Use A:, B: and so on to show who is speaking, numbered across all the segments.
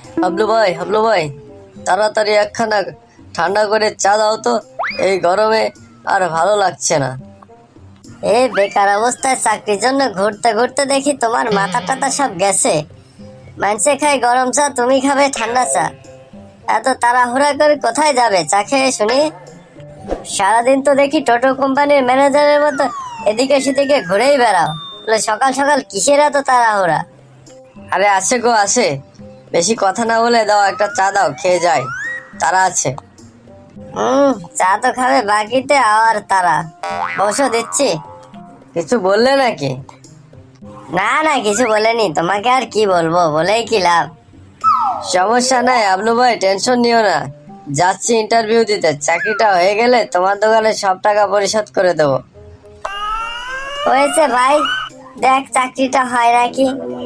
A: হাবলু ভাই, তাড়াতাড়ি একখানা ঠান্ডা করে চা দাও তো, এই গরমে আর ভালো লাগছে না।
B: এই বেকার অবস্থায় চাকরির জন্য ঘুরতে ঘুরতে দেখি তোমার মাথা টাথা সব গেছে। মানুষে খায় গরম চা, তুমি খাবে ঠান্ডা চা। এত তাড়াহুড়া করে কোথায় যাবে চা খেয়ে শুনি? সারাদিন তো দেখি টোটো কোম্পানির ম্যানেজারের মতো এদিকে সেদিকে ঘুরেই বেড়াও। বলে সকাল সকাল কিসের এত তাড়াহুড়া?
A: আরে আসে গো আসে, বেশি কথা না বলে দাও, একটা চা দাও, খেয়ে যাই, তারা আছে।
B: চা তো খাবে বাকিতে, আর তারা বসো দিচ্ছি।
A: কিছু বললে নাকি?
B: না না, কিছু বলেনি, তোমাকে আর কি বলবো, বলেই কি লাভ।
A: সমস্যা নাই হাবলু ভাই, টেনশন নিও না, যাচ্ছি ইন্টারভিউ দিতে, চাকরিটা হয়ে গেলে তোমার দোকানে সব টাকা পরিশোধ করে দেবো।
B: হয়েছে ভাই, দেখ চাকরিটা হয় নাকি।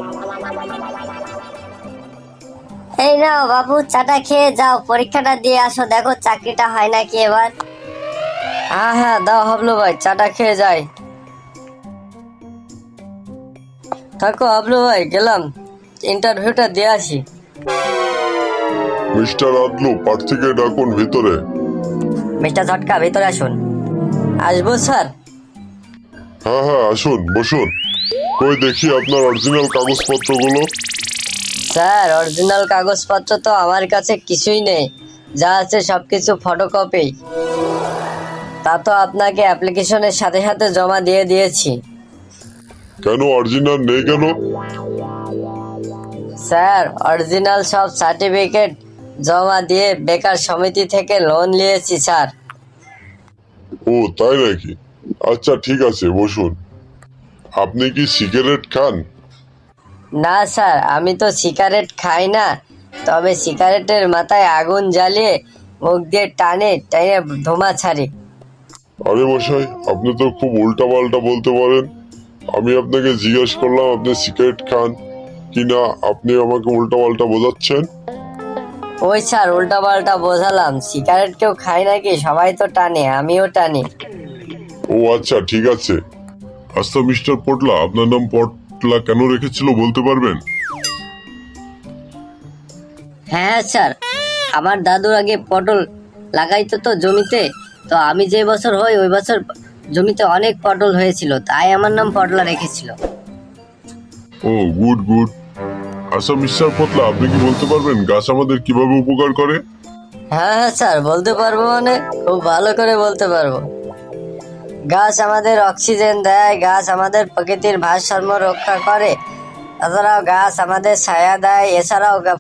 B: এই নাও বাবু, চাটা খেয়ে যাও, পরীক্ষাটা দিয়ে আসো, দেখো চাকরিটা হয় নাকি এবার।
A: হ্যাঁ হ্যাঁ দাও হাবলু ভাই, চাটা খেয়ে যাই। থাকো হাবলু ভাই, গেলাম, ইন্টারভিউটা দিয়ে আসি।
C: মিস্টার আদলু, প্রার্থীকে ডাকুন ভিতরে।
A: মিস্টার ঝটকা, ভিতরে আসুন। আসবো স্যার?
C: হ্যাঁ হ্যাঁ, আসুন, বসুন। কই দেখি আপনার অরিজিনাল কাগজপত্রগুলো।
A: স্যার, অরিজিনাল কাগজপত্র তো আমার কাছে কিছুই নেই, যা আছে সবকিছু ফটোকপি। তা তো আপনাকে অ্যাপ্লিকেশনের সাথে সাথে জমা দিয়ে দিয়েছি।
C: কেন অরিজিনাল নেই কেন?
A: স্যার, অরিজিনাল সব সার্টিফিকেট জমা দিয়ে বেকার সমিতি থেকে লোন নিয়েছি স্যার।
C: ও তাই নাকি? আচ্ছা ঠিক আছে, বসুন। আপনি কি সিগারেট খান?
A: না স্যার, আমি তো সিগারেট খাই না, তবে সিগারেটের মাথায় আগুন জ্বালিয়ে মুখ দিয়ে টানে টানে ধোঁয়া ছাড়ি।
C: আরে মশাই, আপনি তো খুব উল্টা পাল্টা বলতে পারেন। আমি আপনাকে জিজ্ঞেস করলাম আপনি সিগারেট খান কিনা, আপনি আমাকে উল্টা পাল্টা বোঝাচ্ছেন।
A: ওই স্যার, উল্টা পাল্টা বোঝালাম, সিগারেট কেউ খায় নাকি, সবাই তো টানে, আমিও টানি।
C: ও আচ্ছা ঠিক আছে। আচ্ছা মিস্টার পটলা, আপনার নাম পটলা কেন রেখেছিল বলতে পারবেন?
A: হ্যাঁ স্যার, আমার দাদুর আগে পটল লাগাইতো তো জমিতে, তো আমি যে বছর হই ওই বছর জমিতে অনেক পটল হয়েছিল, তাই আমার নাম পটলা রেখেছিল।
C: ও গুড গুড। আচ্ছা মিস্টার পটলা, আপনি কি বলতে পারবেন গাছ আমাদের কিভাবে উপকার করে?
A: হ্যাঁ হ্যাঁ স্যার, বলতে পারবো, মানে খুব ভালো করে বলতে পারবো। গাছ আমাদের অক্সিজেন দেয়, গাছ আমাদের প্রকৃতির ভারসাম্য রক্ষা করে, তাছাড়াও গাছ আমাদের ছায়া দেয়, এছাড়াও